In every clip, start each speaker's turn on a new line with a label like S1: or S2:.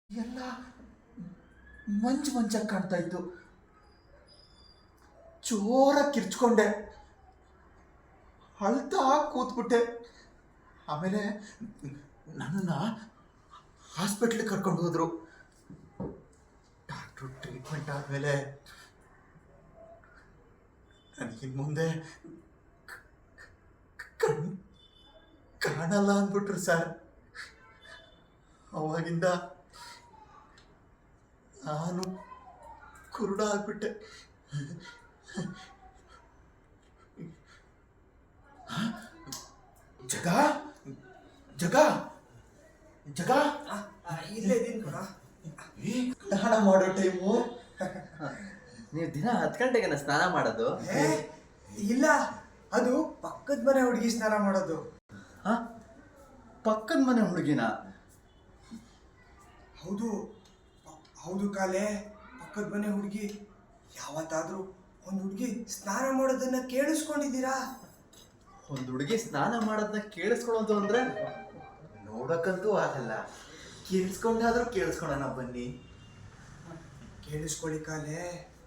S1: ಎಲ್ಲ ಮಂಚಾಗಿ ಕಾಣ್ತಾ ಇತ್ತು. ಜೋರಾಗಿ ಕಿರ್ಚ್ಕೊಂಡೆ, ಅಳ್ತಾ ಕೂತ್ಬಿಟ್ಟೆ. ಆಮೇಲೆ ನನ್ನನ್ನು ಹಾಸ್ಪಿಟ್ಲಿಗೆ ಕರ್ಕೊಂಡು ಹೋದ್ರು. ಡಾಕ್ಟ್ರು ಟ್ರೀಟ್ಮೆಂಟ್ ಆದಮೇಲೆ ನನಗಿನ್ ಮುಂದೆ ಕಾಣಲ್ಲ ಅಂದ್ಬಿಟ್ರು ಸರ್. ಅವಾಗಿಂದ ನಾನು ಕುರುಡ ಆಗ್ಬಿಟ್ಟೆ. ಜಗ ಜಗ ಜಗ
S2: ಇಲ್ಲೇ ಇದೀನಿ ಕಣ.
S1: ಸ್ನಾನ ಮಾಡೋ ಟೈಮು.
S3: ನೀವು ದಿನ 10 ಗಂಟೆಗೆ ಸ್ನಾನ ಮಾಡೋದು?
S2: ಇಲ್ಲ, ಅದು ಪಕ್ಕದ ಮನೆ ಹುಡುಗಿ ಸ್ನಾನ ಮಾಡೋದು.
S3: ಪಕ್ಕದ ಮನೆ ಹುಡುಗಿನ?
S2: ಹೌದು ಹೌದು ಕಾಲೆ, ಪಕ್ಕದ ಮನೆ ಹುಡುಗಿ. ಯಾವತ್ತಾದ್ರೂ ಒಂದು ಹುಡುಗಿ ಸ್ನಾನ ಮಾಡೋದನ್ನ ಕೇಳಿಸ್ಕೊಂಡಿದ್ದೀರಾ?
S3: ಒಂದು ಹುಡುಗಿ ಸ್ನಾನ ಮಾಡೋದನ್ನ ಕೇಳಿಸ್ಕೊಳ್ಳೋದು ಅಂದ್ರೆ
S1: ನೋಡಕ್ಕಂತೂ ಆಗಲ್ಲ, ಕೇಳಿಸ್ಕೊಂಡಾದ್ರೂ ಕೇಳಿಸ್ಕೊಳೋಣ ಬನ್ನಿ.
S2: ಕೇಳಿಸ್ಕೊಳ್ಳಿ ಕಾಲೆ.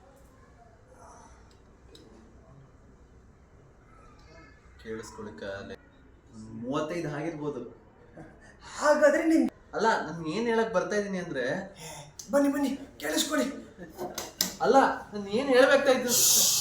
S3: ಕೇಳಿಸ್ಕೊಳ್ಳಿಕ್ಕೆ 35 ಆಗಿರ್ಬೋದು.
S2: ಹಾಗಾದ್ರೆ ನಿನ್
S3: ಅಲ್ಲ, ನಾನು ಏನು ಹೇಳಕ್ ಬರ್ತಾ ಇದ್ದೀನಿ ಅಂದ್ರೆ,
S2: ಬನ್ನಿ ಬನ್ನಿ ಕೇಳಿಸ್ಕೊಳ್ಳಿ.
S3: ಅಲ್ಲ ನಾನು ಏನು ಹೇಳ್ಬೇಕಾಯ್ತು?